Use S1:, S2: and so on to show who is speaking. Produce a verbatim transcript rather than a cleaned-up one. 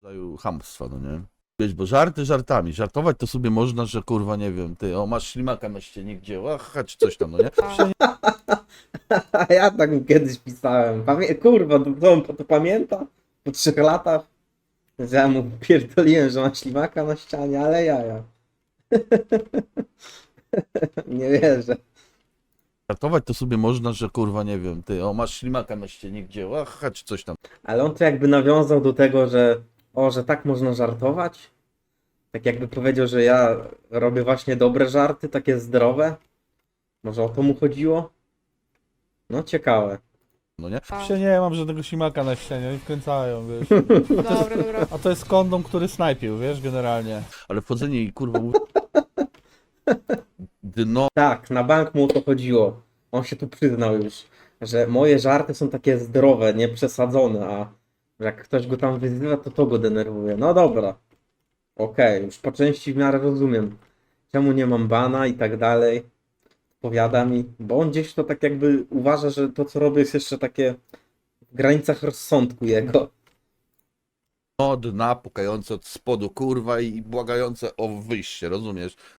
S1: rodzaju chamstwa, no nie? Wiesz, bo żarty żartami, żartować to sobie można, że kurwa, nie wiem, ty, o, masz ślimaka na ścianie, gdzie, aha, czy coś tam, no nie? Przecież
S2: A ja tak mu kiedyś pisałem. Pamię kurwa, to, to on to pamięta? Po trzech latach? Że ja mu pierdoliłem, że ma ślimaka na ścianie, ale jaja. Nie wierzę.
S1: żartować to sobie można, że kurwa, nie wiem, ty, o, masz ślimaka na ścianie, gdzie, aha, czy coś tam.
S2: Ale on to jakby nawiązał do tego, że o, że tak można żartować. Tak jakby powiedział, że ja robię właśnie dobre żarty, takie zdrowe. Może o to mu chodziło? No ciekawe.
S1: No nie?
S3: A.
S4: Się nie mam żadnego ślimaka na ścianie, oni wkręcają, wiesz.
S3: Dobra, dobra.
S4: A to jest kondom, który snajpił, wiesz, generalnie.
S1: Ale wchodzenie i kurwa mów- dno
S2: Tak, na bank mu o to chodziło. On się tu przyznał już, że moje żarty są takie zdrowe, nie przesadzone, a że jak ktoś go tam wyzywa, to to go denerwuje. No dobra. Okej, już po części w miarę rozumiem. Czemu nie mam bana i tak dalej. Powiada mi, bo on gdzieś to tak jakby uważa, że to co robię jest jeszcze takie w granicach rozsądku jego.
S1: dna pukające od spodu, kurwa, i błagające o wyjście, rozumiesz?